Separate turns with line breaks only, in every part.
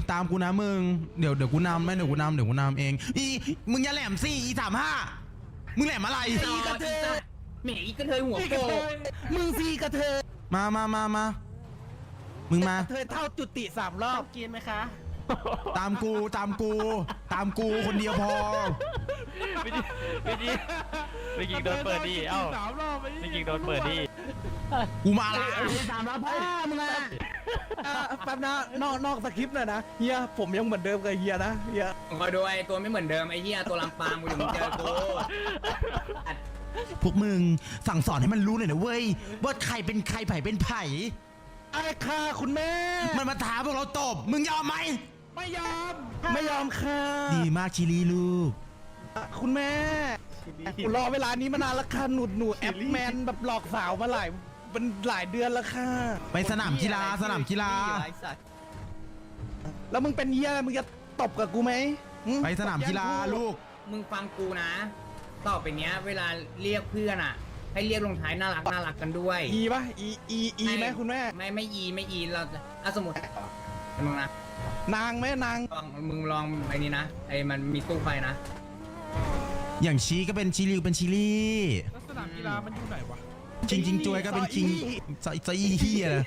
ตามกูนะมึงเดี๋ยวกูนำไหมเดี๋ยวกูนำเองมึงอย่าแหลมสิ35มึงแหลมอะไร
อีกระเทยแหมอีกระเทยหัวโปมึงซีกระเทย
มามึงมา
เธอเท่าจุติ3 รอบกินไหมคะ
ตามกูคนเดียวพอ
ไม่ยิงโดนเปิดดิเอ้าไม่ยิงโดนเปิดดิ
กูมาละ
3 รอบพ่อมึงอะแป๊บนะนอกสคริปต์หน่อยนะเฮียผมยังเหมือนเดิมกับเฮียนะเฮีย
คอยดูไอ้ตัวไม่เหมือนเดิมไอ้เฮียตัวลำปางกูอยู่มึงเจอกู
พวกมึงสั่งสอนให้มันรู้หน่อยนะเว้ยว่าใครเป็นใครไผ่เป็นไผ่
ไอ้ค่ะคุณแม่
มันมาท้าพวกเราตบมึงยอมไหม
ไม่ยอมค่ะ
ดีมากชิลีลูก
คุณแม่กูรอเวลานี้มานานแล้วค่ะหนูแอปแมนแบบหลอกสาวมาหลายเดือนแล้วค่ะ
ไปสนามกีฬา
แล้วมึงเป็นเฮียอะไรมึงจะตบกับกูไหม
ไปสนามกีฬาลูก
มึงฟังกูนะต่อไปเนี้ยเวลาเรียกเพื่อนอ่ะให้เรียกลงท้ายน่ารักกันด้วย
อีป่ะอีไหมคุณแม่
ไม่อีเราสมมติมึงนะ
นางไหมนาง
มึงลองไอ้นี้นะไอ้มันมีตู้ไฟนะ
อย่างชีก็เป็นชิลิวเป็นชิลี่
สนามกีฬามันอยู่ไหนวะ
จริงจวยก็เป็นคิงซออี้เฮียเลย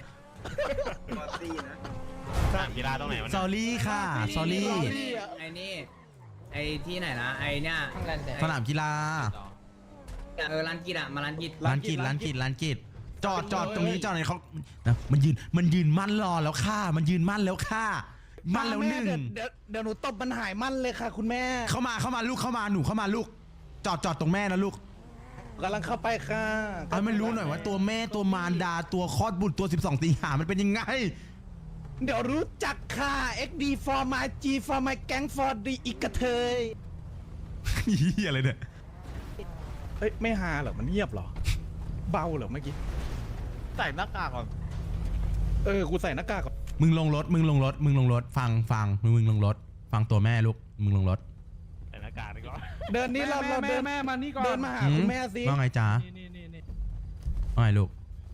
สนามกีฬาตรงไหนวะ
ซอรี่ค่ะซอรี่
ไอ้นี่ไอ้ที่ไหนนะไอ้เนี่ย
สนามกีฬา
ร้านกีฬามาร้านกี
จอดตรงนี้จอดไหนเขานะมันยืนมั่นรอแล้วค่ะมันยืนมั่นแล้วค่ะมั่นแล้ว1
เดี๋ยวหนูตบมันหายมั่นเลยค่ะคุณแม่
เข้ามาลูกเข้ามาหนูเข้ามาลูกจอดตรงแม่นะลูก
กำลังเข้าไปค่ะ
ให้มันรู้หน่อยว่าตัวแม่ตัวมารดาตัวคลอดบุตรตัว12 สิงหามันเป็นยังไง
เดี๋ยวรู้จักค่ะ XD for my G for my gang for the อีกกระเทย
เฮียอะไรเนี่ย
เฮ้ยไม่ฮาเหรอมันเงียบเหรอเบาเหรอเมื่อกี้
ใส่หน้ากากก่อน
กูใส่หน้ากากก่อน
มึงลงรถฟังมึงลงรถฟังตัวแม่ลูกมึงลงรถ
ใส่หน้ากากดีกว่า
เดินนี้เราเดิน
แม่มานี่ก่อน
เดินมาหาคุณแม่สิ
ว่าไงจ๊ะว่าไงลูก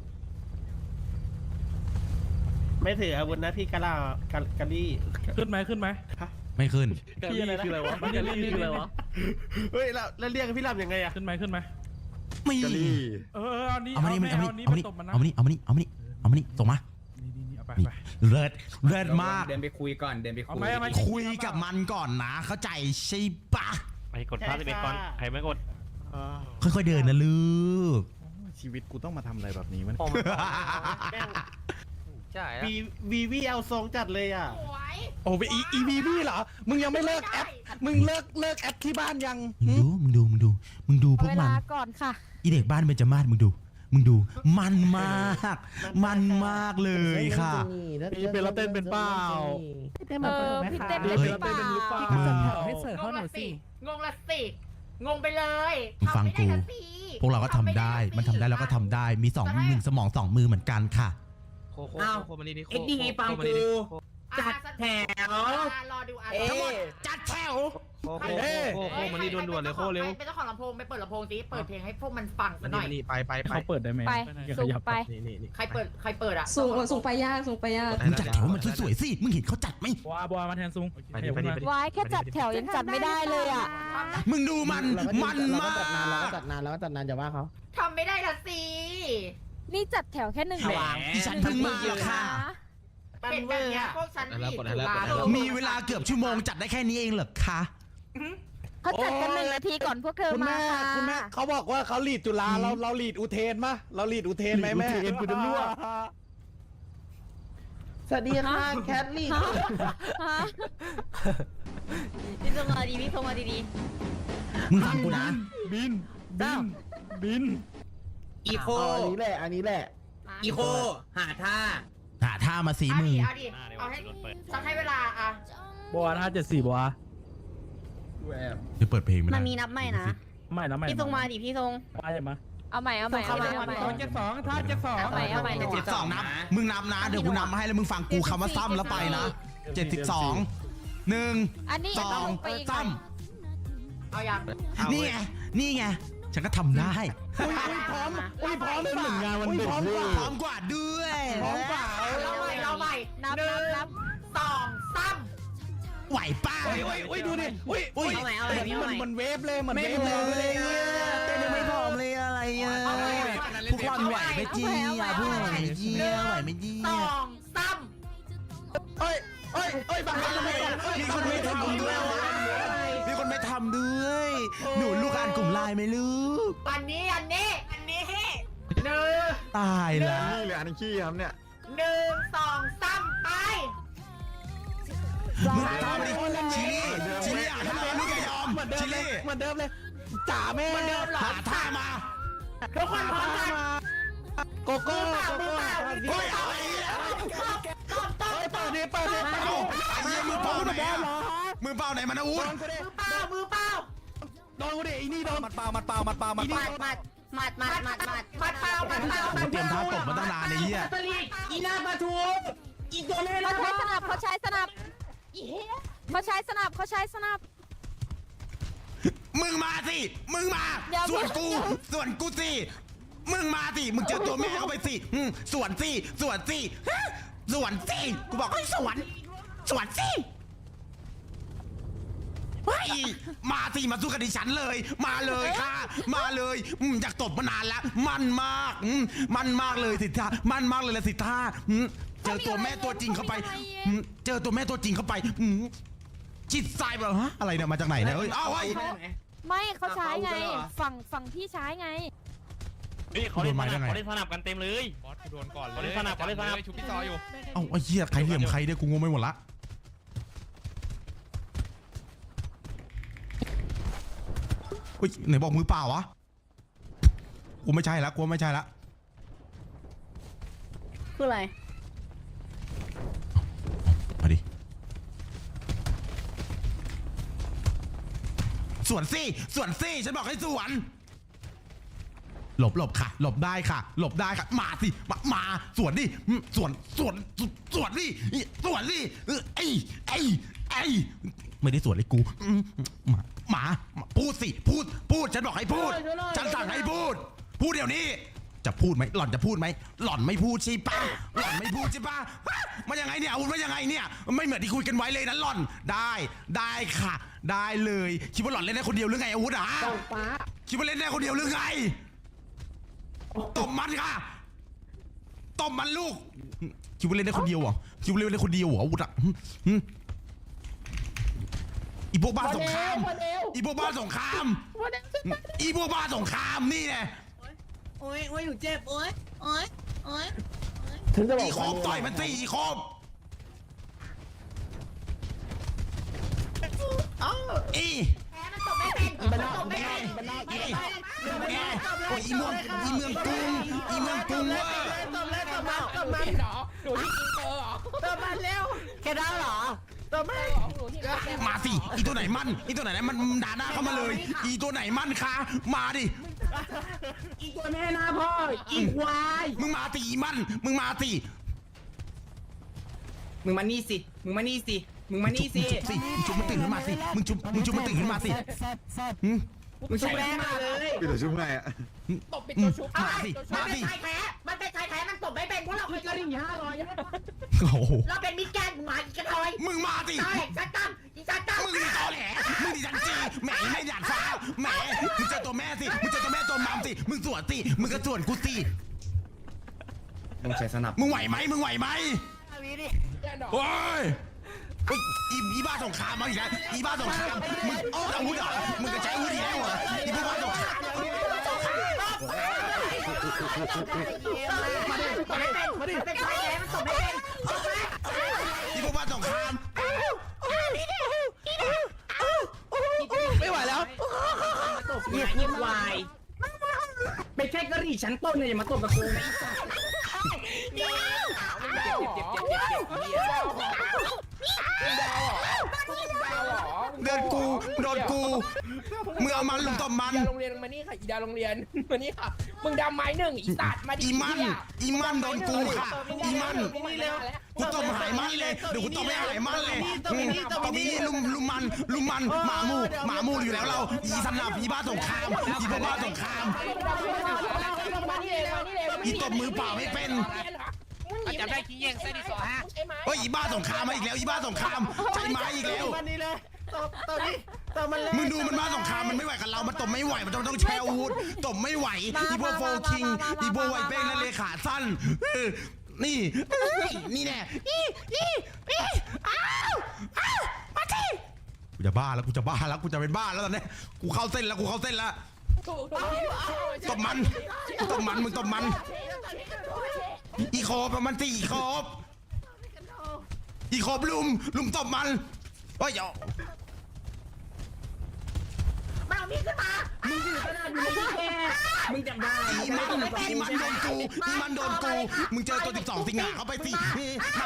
ไม่ถืออาวุธนะพี่กะลี่
ขึ้นไหม
ไม่ขึ้น
พี่อะไรคืออะไรวะกะลี่คืออะไรวะเฮ้ยแล้วเรียกพี่ลำยังไงอะ
ขึ้นไหม
ไม่เอามานี่ส่งมาเลิศมาก
เดินไปคุยก่อน
คุยกับมันก่อนนะเข้าใจใช่ปะ
ไปกดพาสเบก่อนใครไม่กด
ค่อยๆเดินนะลูก
ชีวิตกูต้องมาทำอะไรแบบนี้มัน
ใช่วีเอาทรงจัดเลยอ่ะ
โอ้อีวีเหรอมึงยังไม่เลิกแอปมึงเลิกแอปที่บ้านยัง
มึงดูพวกมัน
ก่อนค่ะ
อีเด็กบ้านเบญจมาศมึงดูมันมากเลยค่ะ
พี่เป็นละเต้นเป็นเปล่า
พี่เต้นเป็นหรือเปล่า
มึง
ให้เสิร์ฟเขาหน่อยสิ
งงไปเลย
ฟังกูพวกเราก็ทำได้มันทำได้แล้วก็ทำได้มี1 สมอง2 มือเหมือนกันค่ะ
อ้าวเอ็กดีฟังกูจัดแถว
รอดู
ทั้งหมดจัดแถว
โคมันนี่ด่วนๆเลยโคเร็ว
เป็นเจ้าของลำโพงไปเปิดลำโพงสิเปิดเพลงให้พวกมันฟังหน่อย
ไป
เขาเปิดได้ไหม
ไปสูงไป
ใครเปิดอ่ะ
สูงไปยาก
มึงจัดแถวมันสวยๆสิมึงเห็นเขาจัดไหม
บัวมาแทนสูง
วายแค่จัดแถวยังจัดไม่ได้เลยอ่ะ
มึงดูมันมาก
จัดนานจะว่าเขา
ทำไม่ได้ละสิ
นี่จัดแถวแค่1
ดิฉันเพิ่งมาค่ะ
เป็นแบบนี้พวกฉัน
มีเวลาเกือบชั่วโมงจัดได้แค่นี้เองเหรอคะ
เขาจัดกัน1 นาทีก่อนพวกเธอมา
คุณแม่เขาบอกว่าเขาลีดจุฬาเราลีดอุเทนมะเราลีดอุเทนไหมแม่
กูจะรั่ว
สวัสดีค่ะแคทลีด
พี่ส่งมาดี
มึงฟังกูนะ
บิน
อีโค
อันนี้แหละ
อีโคหาท่า
มาสีมือ
เอาให้สักให้เวลาอ่ะ
บัว574บัว
จะเปิดเพลง
มันมีนับใหม่นะพี่ส่งมาดิพี่ส่ง
มา
เอาใหม่
72ท่า72
เอาใหม่
72นับมึงนับนะเดี๋ยวกูนับมาให้แล้วมึงฟังกูคำว่าซ้ำแล้วไปนะ72 1
อันนี้
2
เอายัง
นี่ไงฉันก็ทำได้
พร้อมเป็นหนึ่งงานวันเด็ก
พร้อมกว่าด้วย
พร้อมเปล่า
เราใหม่
นับ
1 2 3
ไหวป้า
อุ้ยดูดิอุ้ย
เอาใหม่เอาใหม่เอาใหม่
มันเวฟเลยมันเวฟเลย
เต้นยังไม่พร้อมเลยอะไรอ่ะพวกคนไหวไหมจี้อ่ะพวกไหวไหมจี้ไหวไหมจี้
สองสาม
เอ้ยบางคนไม่
มีคนไม่ทำด้วยมีคนไม่ทำด้วยหนูลูกอ่านกลุ่มไลน์ไหมลูก
อันนี้หนึ่ง
ตายละ
นี่เหลืออันขี้ครับเนี่ย
หนึ่งสองสามไป
มึงทำดิชิลี่อ่ะทำลูกอย่ายอมชิลี่
เหมือนเดิมเลยจ่าแม่
หาท่ามา
ทุกคนพร้อมกัน
โกโก้
เฮ้ยเอาไอ้เนี่ย
เปิดดิ
เอาไอ้เหี้ยมือเปล่าไหนอ่ะมือเปล่าไหนมันอาวุธ
มือเปล่า
โดนกูดิไอ้นี่โดนมัดเปล่า
หมัดเปล่า
มัดเปล่า
เตรียมท่าตบมาตั้งนานไอ้เหี้ย
อีหน้าปลาทูอีตัวแม่
เขาใช้สนับเขาใช้สนับ
มึงมาสิมึงมา
อย่า
ส่วนกูสิมึงมาสิมึงเจอตัวแม่เข้าไปสิสวนสิกูบอกให้สวนสิเฮ้ยมาสิมาสู้กับดิฉันเลยมาเลยค่ะมาเลยอยากตบมานานแล้วมันมากเลยสิท่ามันมากเลยละสิท่าเจอตัวแม่ตัวจริงเข้าไปจิตใจแบบฮะอะไรเนี่ยมาจากไหนเนี่ยเอ้ยเอาไว้
ไม่เขาใช้ไงฝั่งพี่ใช้ไง
เขาเล่นมาได้ไง
เขาเล่นสนับกันเต็มเลยบอสโดนก่อนเลยเขาเล่นสนับชุบพี่ซออยู่
เอ้าไอ้เหี้ยใครเหลี่ยมใครเนี่ยกูงงไปหมดละเฮ้ยไหนบอกมือเปล่าวะกูไม่ใช่ละ
คืออะไร
มาดิสวนสิฉันบอกให้สวนหลบค่ะหลบได้ค่ะมาสิมาสวนดิสวนดิไอ้ไม่ได้สวนเลยกูหมาพูดสิพูดฉันบอกให้พูดฉันสั่งให้พูดเดี๋ยวนี้จะพูดไหมหล่อนจะพูดไหมหล่อนไม่พูดใช่ปะมันยังไงเนี่ยอาวุธมันยังไงเนี่ยไม่เหมือนที่คุยกันไว้เลยนะหล่อนได้ค่ะได้เลยคิดว่าหล่อนเล่นได้คนเดียวหรือไงอาวุธคิดว่าเล่นได้คนเดียวหรือไงตบมันค่ะตบมันลูกคิดว่าเล่นได้คนเดียวเหรออาวุธอีพวกบ้าสงครามนี่ไง
โอ้ยหนูเจ็บโอ้ย
อีโคบต่อยมันสิอีโคบอี
แพ้มันตบไม่เป็นมันตบไม่เป็น
โอ้ยอีเมืองกรุงเว้ย
ตบมันเร็วแค่ได้เหรอตบมัน
มาสิอีตัวไหนมันด่าหน้าเข้ามาเลยอีตัวไหนมันคะมาดิ
อีตัวแม่หน้าพ่ออีควาย
มึงมาสิอีมันมึงมาสิ
มึงมานี่สิ
มึงชุบมันตื่นขึ้นมาสิมึงชุบมันตื่นขึ้นมาสิ
มึงชุบแรงมาเลย
พี่ตัวชุบไงอ่ะ
มาสิ
มันเป็นชายแท้มันตบไม่เป็นพวกเราเป็นกระดิ่ง500
โอ้โห
เราเป็นมิตรแกนหมาอีกกระทอย
มึงมาสิ
ใช่ชัดตั้มอีชัดตั้ม
มึงนี่ตอแหลมึงดิฉันจีแหมไม่หยาดฟ้าแหมมึงเจอตัวแม่สิมึงเจอตัวแม่ตัวมัมสิมึงสวนสิมึงก็สวนกูสิ
ต้องใช้สนับ
มึงไหวไหมโอ้ยอีบ้าสงครามมาอีกแล้วอีบ้าสงครามมึงอาวุธเหรอมึงก็ใช้อาวุธอีกแล้วเหรออีพวกบ้าสงคราม
มันเป็นชายแท้มันตบไม่เป็น
อีพวกบ้าสงคราม
ไม่ไหวแล้ว
ตบเนี่ยอีควายเป็นแค่กะหรี่ชั้นต้นเนี่ยอย่ามาตบกับกูนะอีสัตว์เจ็บ
โดนกูมึงเอามันลุมตบมัน
โรงเรียนมานี่ค่ะอีดาโรงเรียนมานี่ค่ะมึงดำไม้หนึ่งอีสัตว์มาดิ
อีมันโดนกูค่ะอีมันกูตบหายมันเลยเดี๋ยวกูตบไม่หายมันเลยตบนี้ลุมมันหมามูอยู่แล้วเราอีสนับอีบ้าสงครามอีพวกบ้าสงคราม
มานี่เลย
อีตบมือเปล่าไม่เป็น
ม
จับได้ขี้แย่งเส้นที่สองฮะ
ใช่ไหม
เฮ้ยอีบ้าสงครามมาอีกแล้วอีบ้าสงครามใช้ไม้อีกแล้ว
วันนี้เลยตอนนี้ตอนมันเลย
มึงดูมันบ้าสงครามมันไม่ไหวกับเรามันตบไม่ไหวมันต้องแชร์อาวุธตบไม่ไหวอีพวกโฟคิงอีพวกไวเป้งและเลขาสั้นนี่นี่แน่มาทีกูจะบ้าแล้วกูจะบ้าแล้วกูจะเป็นบ้าแล้วตอนนี้กูเข้าเส้นแล้วกูเข้าเส้นแล้วตบมันตบมันมึงตบมันอีโคบมันสิอีโคบอีโคบลุมตบมันเฮ้ยเดี๋ยว
มันเอามีดขึ้นมา
มึงถือขนาดนี้แค่มึงจำได้
อีมันโดนกูอีมันโดนกูมึงเจอตัว12สิงหาเข้าไปสิมา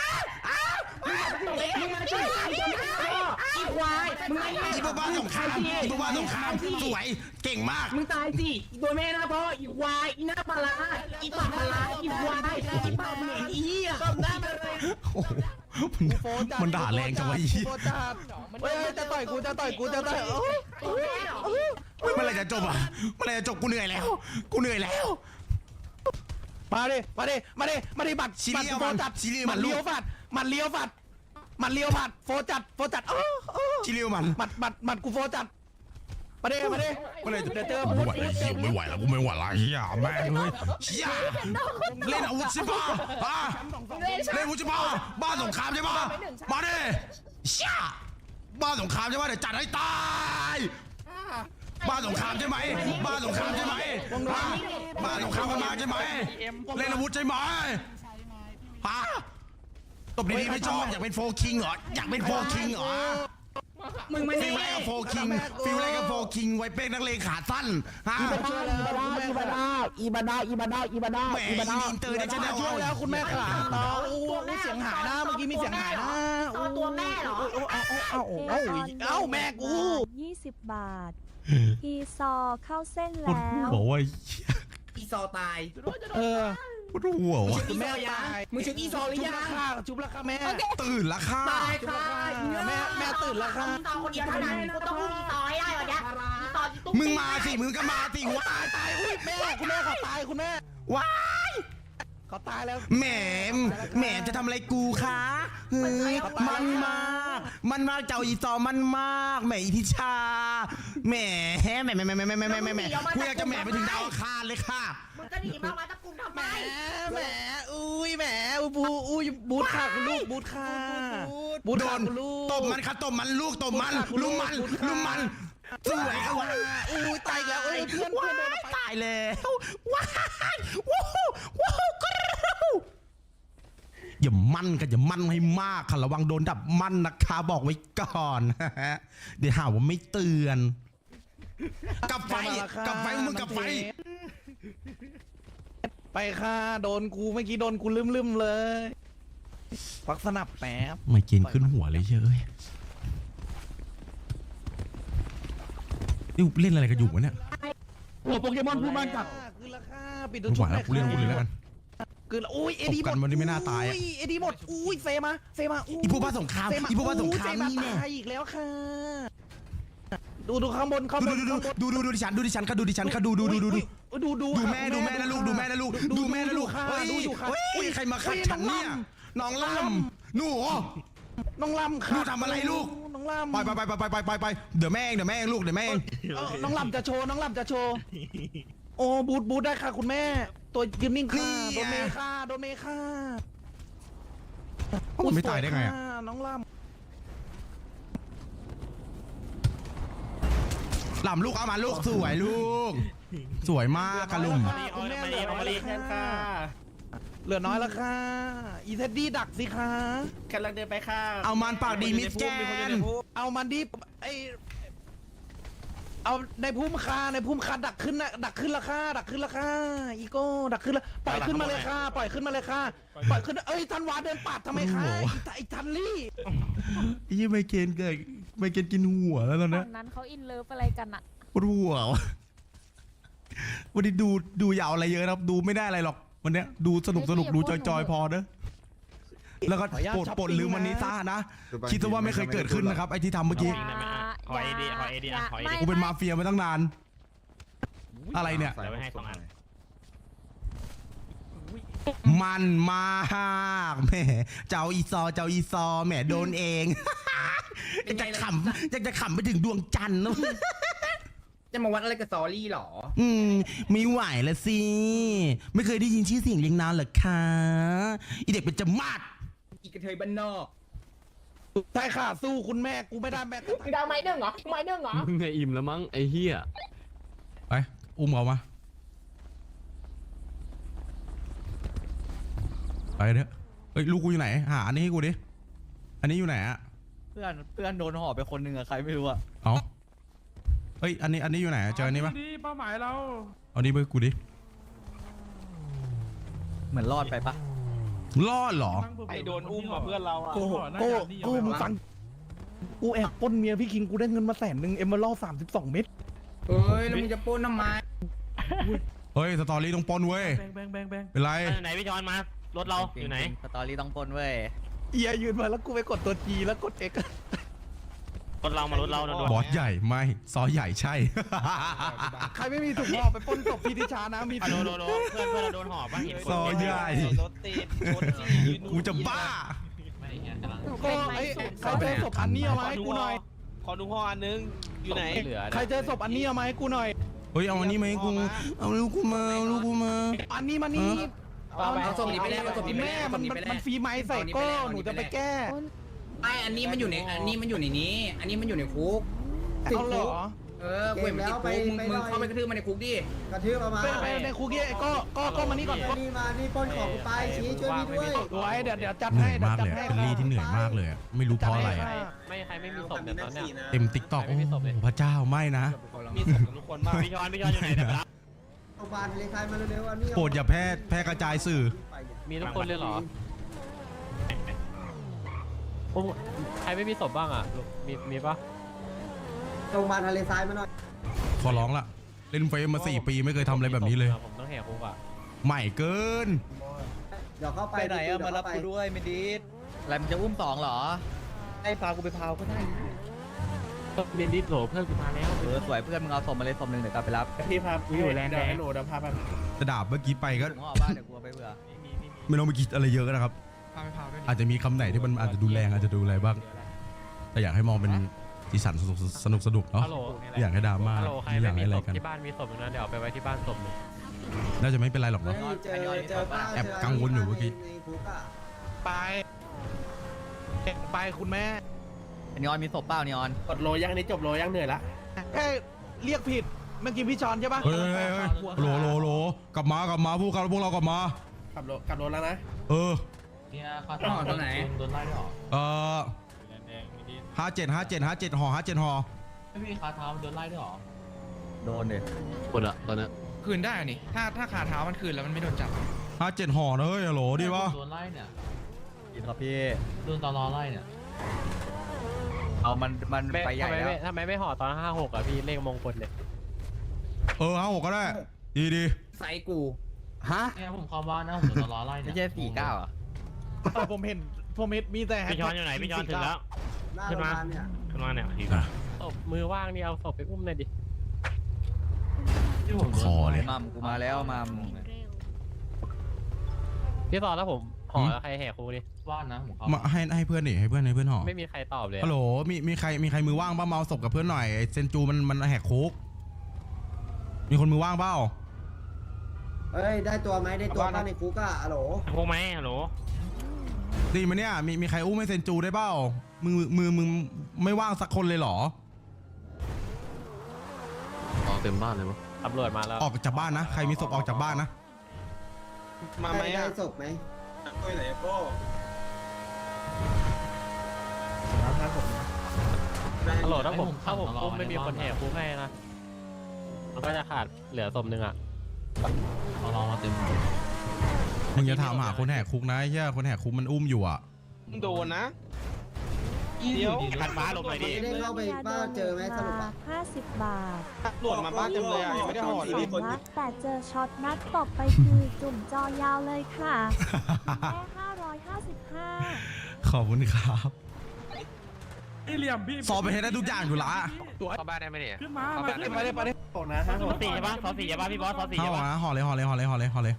มึงมาช่วยไอ้ตัวนี้อีควายมึงไม่
อีพวกบ้าสงครามอีพวกบ้าสงครามสวยเก่งมาก
มึงตายสิอีตัวแม่นะพ่ออีควายอีหน้าปลาอีปากปลาอีควายอีปากเหม็นอีเหี้ยต้มหน้ามาเลย
โอ้โหมันด่าแรงจังวะอี
โฟจัดเฮ้ยจะต่อยกูจะต่อย
เมื่อไรจะจบอ่ะเมื่อไรจะจบกูเหนื่อยแล้วกูเหนื่อยแล้ว
มาดิบัตร
ซีเรียล
โฟ
มัน
จัด
ซีเรียลมัน
เลี้ยวผัดมันเลี้ยวผัดโฟจัด
ชิลิวมัน
บัตรกูโฟจัดมาดิ
เมื่อไรจะ
เดี๋ยวเจอ
ไม่ไหวแล้วเฮียไม่ไหวแล้วกูไม่ไหวแล้วเฮียแม่งเลยเฮียเล่นอาวุธใช่ปะเล่นอาวุธใช่ปะบ้าสงครามใช่ปะมาดิเฮียบ้าสงครามใช่ปะเดี๋ยวจัดให้ตายบ้าสงครามใช่ไหมบ้าสงครามใช่ไหมบ้าสงครามกันมาใช่ไหมเล่นอาวุธใช่ไหมฮะตบดีๆไม่ชอบอยากเป็นโฟคิงเหรออยากเป็นโฟคิงเหรอ
มึงไม่
ฟิลอะไรกับโฟคิงฟิลอะไรกับโฟคิงไว้เป็นนักเลงขาสั้นฮะแหมอีอินเตอร์เนชั่นแนล
ช่วยแล้วคุณแม่ขามีเสียงหายนะเมื่อกี้มีเสียงหายนะ
ตัวแม่เหรอ
เอาแม่กู
20 บาท อีซอเข้าเส้นแล้ว
บอกว่า
อีซอตาย
เออ
พูดหัววะ
คุณแม่ตาย
มึงชุบอีซอหรือยัง
จุบราคาแม่
ตื่นละค่ะ
ตายค่ะ
แม่ตื่นแล้วค่ะ
อีตอคนเดียวเท่านั้นกูต้องพูดอีตอให้ได้วันเนี้ยอีตออีตุ้
มึงมาสิมึงก็มาสิว้าย
ตายอุ้ยแม่คุณแม่เขาตายคุณแม่
ว้าย
เขาตายแล้ว
แหมจะทำอะไรกูคะเฮ้ยมันมากเจ้าอีซอมันมากแหมอีทิชาแหมกูอยากจะแหมไปถึงดาวอังคารเลยค่ะ
มึงก็หนีมาตะกุมทำไม
แหมบูทค่ะคุณลูกบูทค่ะบูท
โด
ค่ะ
น
คุณลูก
ตบมันค่ะตบมันลูกตบมันลุมมันสวยค่ะว้า
ตายแล้วเพื่อนโดน
ตายแล้วว้ายว้าวกรูอย่ามั่นกันอย่ามั่นให้มากค่ะระวังโดนดับมั่นนะคะบอกไว้ก่อนเดี๋ยวหาว่าไม่เตือนกับไฟมึงกับไฟ
ไปค่ะโดนกูเมื่อกี้โดนกูลืมเลยควักสนับแป๊บ
ไม่กินขึ้นหัวเลยเชยนี่เล่นอะไรกันอยู่วะเนี่ย
หัวโปเกมอนพูดมากจัดคือราคาปิดตัว
ไม่ไหวแล้วกูเล่นอาวุธเลยแล้วกัน
คืออุ้ยเอดีหม
ตบกั
ด
นวันนี้ไม่น่าตายอะ
เอดีหมดอุ้ยเซมา
อีพวกบ้าสงครามอีพวกบ้าสงครามนี่แน่
ตายอีกแล้วค่ะดูข้างบน
ดูดิฉันค่ะดูแม่นะลูกเฮ้ยใครมาขัดฉันเนี่ยน้องล่ำหนู
น้องลำ
หนูทำอะไรลูก
น้องลำ
ไปเดี๋ยวแม่เองลูกเดี๋ยวแม่เอง
น้องลำจะโชว์โอ้บูทได้ค่ะคุณแม่ตัวยืนนิ่งค่ะโดนเมค่า
มันไม่ตายได้ไงอะ
น้องลำ
หล่ำลูกเอามาลูกสวยลูกสวยมากกะลุม
คุณแม่เหลือน้อยแล้วค่ะอีเท็ดดี้ดักสิคะ
กำลังเดินไปค่ะ
เอามันปากดีมิสแกน
เอามันดิเอาในพุ่มคาดักขึ้นราคาอีโก้ดักขึ้นแล้วปล่อยขึ้นมาเลยค่ะปล่อยขึ้นทันวาเดินปาดทำไมคะไอ้ทันลี่
ยี่ไม่เกณฑ์กินหัวแล้วตอนนี้
ตอนนั้นเขาอินเลิฟอะไรกันอะ
ปวดหัววันนี้ดูยาวอะไรเยอะครับดูไม่ได้อะไรหรอกวันเนี้ยดูสนุกดูจอยพอเนอะแล้วก็ปลดลืมวันนี้ซ่านะคิดซะว่าไม่เคยเกิดขึ้นนะครับไอ้ที่ทำเมื่อกี้
ขอเอดี
กูเป็นมาเฟียมาตั้งนานอะไรเนี่ย
เดี๋ยวไปให้2 อัน
มันมากแหมเจ้าอีซอแหมโดนเอง อยากจะขำไปถึงดวงจันทร์นะ
จะมาวัดอะไรกับซอรี่หรอ
ไม่ไหวแล้วสิ ไม่เคยได้ยินชื่อเสียงเรียงนามเหรอคะอีเด็กเป็นจมาด
อีกระเทยบ้านนอก
ใช่ค่ะสู้คุณแม่กูไม่ได้แม่
มึงดาวไม้หนึ่งเหรอไม้หนึ่งเหรอ
มึงไงอิ่มแล้วมั้งไอ้เหี้ย
ไปอุ้มเขามาไปเถอะเฮ้ยลูกกูอยู่ไหนหาอันนี้ให้กูดิอันนี้อยู่ไหนอะ
เพื่อนโดนห่อไปคนหนึ่งอะใครไม่รู้อะ
เอาเฮ้ยอันนี้อยู่ไหนเจออันนี้ปะ
ดีเป้าหมายเรา
เอานี้ไปกูดิ
เหมือนรอดไปปะ
รอดเหรอ
ไอโดนอุ้มมาเพื่อนเราอ่ะ
กูมึงฟังกูแอบปล้นเมียพี่คิงกูได้เงินมา100,000เอมเมอรัล32 เม็ด
เฮ้ยแล้วมึงจะปล้นทำไม
เฮ้ยสตอรี่ต้องปนเว้ยเป็นไร
ไหนพี่จอนมารถเราอยู่ไหน
สตอรี่ต้องปนเว้ย
เอียยืนมาแล้วกูไปกดตัว G แล้วกด X
รถเรามารถเรา
บอสใหญ่ไม่ซอใหญ่ใช่
ใครไม่มีถุงห่อไปปล้นศพพี่ทิชานะมี
โดนเพื่อนเราโดนห่อป่ะ
ซอใหญ่
รถติดรถ
กูจะบ้า
ก็ไอ้ใครเจอศพอันนี้เอามาให้กูหน่อย
ขอดูห่ออันนึงอยู่ไหน
ใครเจอศพอันนี้เอามาให้กูหน่อย
เฮ้ยเอาอันนี้มาให้กูเอาลูกกูมาเอาลูกกูมา
อันนี้มานี่
เอาส่งนี้ไปแล้วส่งนี้ไป
แม่
แล้ว
มันฟรีไม้ใส่ก็หนูจะไปแก้
ไม่อันนี้มันอยู่ในอันนี้มันอยู่ในนี้ อันนี้มันอยู่ในคุก
เอาเหรอ
กูเห็นมันติดคุกมึงเข้าไปกระทืบมันในคุกดิ
กระทืบเอามา
ไปในคุกกี้ก็มานี่ก่อน
นี่มานี่ปล้นของกูไปชี้ช่วยพี่ด้วย
ไว้เดี๋ยวจัด
เหนื่
ให้
อย
เดี๋ยว
มาก
จัด
เลย
ให้
อะลี่ที่เหนื่อยมากเลยอะไม่รู้เพราะอะไรอะ
ไม่ใครไม่มีศพเนี่ยตอนเนี้ย
เต็มติ๊กต็อกโอ้พระเจ้าไม่นะ
มีศพกับทุกคนมาก
พี่จอนอยู่ไหนนะครับ
โรงพยาบาลเลยใครมาเร็วๆอันนี้
โปรดอย่าแพร่กระจายสื่อ
มีทุกคนเลยเหรอใครไม่มีศพบ้างอ่ะมีปะ
โรงพยาบาลทะเลทรายมาหน่อย
ขอร้องละเล่นเฟซมา4 ปีไม่เคยทำอะไรแบบนี้เลย
ผมต้องแหกคุกอ่ะ
ใหม่เกิน
เดี๋ยวเข้าไป
ไปไหนอะมารับกูด้วยไม่ดีอะไรมันจะอุ้ม2เหรอให้พากูไปพาวก็ได้
เบนดิสโหลเพื่อนกูมาแล้ว
สวยเพื่อนมึงเอาศพมาเลยศพหนึ่งเดี๋ยวกลับไปรับ
พี่พา
อยู่แรงแดง
โหลดพาไป
จะด่าเมื่อกี้ไปก็
ถุงห่อบ้านเดี๋ยวกูเอาไปเผื่อ
ไม่ต้องไปคิดอะไรเยอะนะครับ อาจจะมีคำไหนที่มันอาจจะดูแรงอาจจะดูอะไรบ้าง แต่อยากให้มองเป็นสีสันสนุกเนาะ
ฮัลโหล
อยากให้ดราม่า
ฮัลโหลใคร
ไม่อ
ไม่
ยาก
มี
ให้อะไร
ศพ
กัน
ที่บ้านมีศพอยู่นะเดี๋ยวเอาไปไว้ที่บ้านศพหนึ่ง
น่าจะไม่เป็นไรหรอก
เฮ้
เนาะ
ยเจอป้า
แอบกังวลอยู่เมื่อกี้
ในคุกอะ
ไปคุณแม่
นีออนมีศพเปล่านีออน
กดโลยังนี้จบโลยังเหนื่อยละ
แค่เรียกผิดเมื่อกี้พี่ชอนใช่ปะ
เฮ้ยโหลกลับมพวกเรากลับมา
ขับรถแล้วนะ
เออ
ต้องหอตรงไหน
57ห่อ
โดนดิ
คนอะตอนนี้
คืนได้นี่ถ้าขาเท้ามันคืนแล้วมันไม่โดนจับ
57ห่อนะเฮ้ยฮัลโหลดีปะ
กินครับพี่
โดนตลอไล่เนี่ย
เอามันไปใหญ่แล้ว
ทำไมไม่ห่อตอน56อ่ะพี่เลขมงคลเนี่ย
56ก็ได้ดี
ใส่กู
ฮะ
เนี่ยผมเข้าบ้านนะผมโดนตลอไล่
ไม่
เนี่ย
ใช่49อ่ะ
ผมเห็นมีแต่
พี่จอนอยู่ไหนพี่จอนถึงแล้ว
หน้าโรงพยาบาลเนี่ย
ขึ้นมาเนี่ยศพมือว่างนี่เอาศพไปอุ้มหน่อยดิ
คอเลย
มัมกูมาแล้วมัม
พี่ตอนแล้วผมห่อแล้วใครแหกคุกนี่
บ้านนะผมเข้า
มาให้เพื่อนดิให้เพื่อนห่อ
ไม่มีใครตอบเลย
ฮัลโหลมีใครมือว่างบ้างมาเอาศพกับเพื่อนหน่อยไอ้เซนจูมันแหกคุกมีคนมือว่างเปล่า
เฮ้ยได้ตัวไหมได้ตัวป้าในคุกอะอะโหล
คุกไหมฮัลโหล
ดีมาเนี่ยมีใครอุ้มให้เซนจูได้เปล่ามึงไม่ว่างสักคนเลยเหรอ
เต็มบ้านเลยวะ
ตำรวจมาแล้ว
ออกจากบ้านนะใครมีศพออกจากบ้านนะ
มาไหม
ได้
อ่ะ
ศพไหม
ฮัลโหลถ้าผมอุ้มไม่มีคนแหกคุกให้นะมันก็จะขาดเหลือศพหนึ่งอ่ะ
รอมาเต็ม
มึงอย่าถามหาคนแหกคุกนะไอ้เหี้ยคนแหกคุกมันอุ้มอยู่อ่ะ
โดนนะ เดี๋ยว
ขัดฟ้าลงหน่อยดิ
ไม่ได้เข้าไปบ้านเจอไหมสรุปอะ
50 บาท
ตำรวจมาบ้านเต็มเลยอ่ะยังไม่ได้ห่อเลย
นัดแต่เจอช็อตนัดตบไปคือจุ่มจอยาวเลยค่ะแค่555
ขอบคุณครับ
เหลี่ยมพี่
สอบไปให้ได้ทุกอย่างอยู่ละ
เข้าบ้านได้ไหมเนี่ย
ขึ้นมา
ไปเลย
โปนะฮะ
ซอสี่ใช่ปะซอสี่ใช่ปะพี่บอสซอสี่
เข้า
ใช่ปะ
นะห่อเลยห่อเลยห่อเลยห่อเลยห่อเลย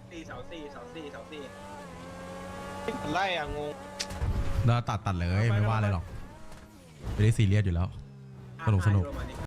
ไล่อะงง
เราตัดเลยไม่ว่าอะไรหรอกไม่ได้ซีเรียสอยู่แล้วสนุก